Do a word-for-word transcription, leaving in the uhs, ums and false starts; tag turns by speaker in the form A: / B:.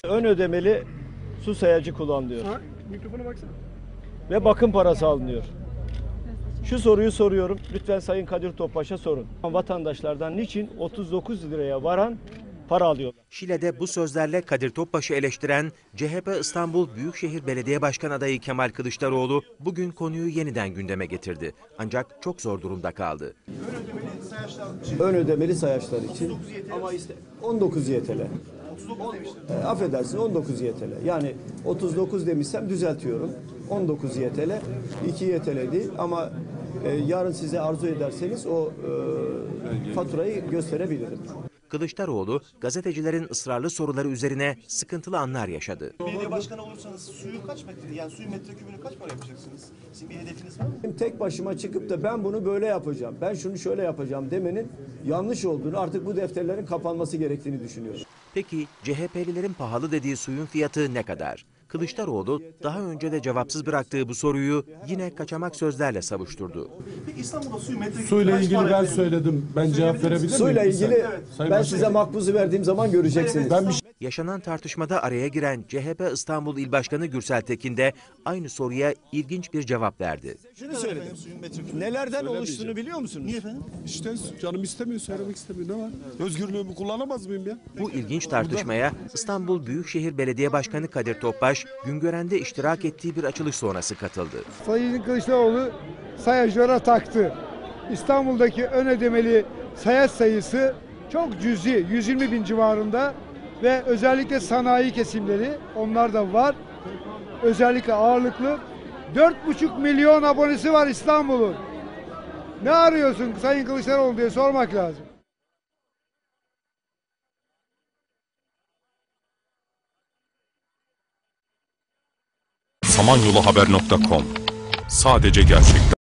A: Ön ödemeli su sayacı kullanılıyor.
B: Ha, mikrofona baksana.
A: Ve bakım parası alınıyor. Şu soruyu soruyorum. Lütfen Sayın Kadir Topbaş'a sorun. Vatandaşlardan niçin otuz dokuz liraya varan para alıyorlar?
C: Şile'de bu sözlerle Kadir Topbaş'ı eleştiren C H P İstanbul Büyükşehir Belediye Başkanı adayı Kemal Kılıçdaroğlu bugün konuyu yeniden gündeme getirdi. Ancak çok zor durumda kaldı.
A: Ön ödemeli sayaçlar için ama işte on dokuz Y T L. E, affedersin on dokuz Y T L. Yani otuz dokuz demişsem düzeltiyorum. on dokuz Y T L, iki Y T L değil ama e, yarın size arzu ederseniz o e, faturayı gösterebilirim.
C: Kılıçdaroğlu gazetecilerin ısrarlı soruları üzerine sıkıntılı anlar yaşadı.
D: Belediye başkanı olursanız suyu kaç metre, yani suyun metrekübünü kaç para yapacaksınız? Sizin bir hedefiniz var mı?
A: Tek başıma çıkıp da ben bunu böyle yapacağım, ben şunu şöyle yapacağım demenin yanlış olduğunu, artık bu defterlerin kapanması gerektiğini düşünüyorum.
C: Peki C H P'lilerin pahalı dediği suyun fiyatı ne kadar? Kılıçdaroğlu daha önce de cevapsız bıraktığı bu soruyu yine kaçamak sözlerle savuşturdu.
D: Peki İstanbul'da suyu metrekübü
E: Suyla
D: kaç
E: ilgili
D: para
E: ben
D: yapıyor?
E: söyledim. Ben cevap verebilir miyim?
A: Suyla ilgili
D: Evet.
A: ben ben size makbuzu verdiğim zaman göreceksiniz.
E: Ben bir şey
C: Yaşanan tartışmada araya giren C H P İstanbul İl Başkanı Gürsel Tekin de aynı soruya ilginç bir cevap verdi.
A: Şunu söyledim. Nelerden oluştuğunu biliyor musunuz?
D: Niye efendim?
E: işte canım istemiyor, söylemek istemiyor. Ne var? Özgürlüğümü kullanamaz mıyım ya?
C: Bu ilginç tartışmaya İstanbul Büyükşehir Belediye Başkanı Kadir Topbaş, Güngören'de iştirak ettiği bir açılış sonrası katıldı.
B: Sayın Kılıçdaroğlu sayacılara taktı. İstanbul'daki ön ödemeli sayaç sayısı çok cüzi, yüz yirmi bin civarında ve özellikle sanayi kesimleri, onlar da var. Özellikle ağırlıklı. dört buçuk milyon abonesi var İstanbul'un. Ne arıyorsun Sayın Kılıçdaroğlu diye sormak lazım.
F: samanyoluhaber nokta com. Sadece gerçekler.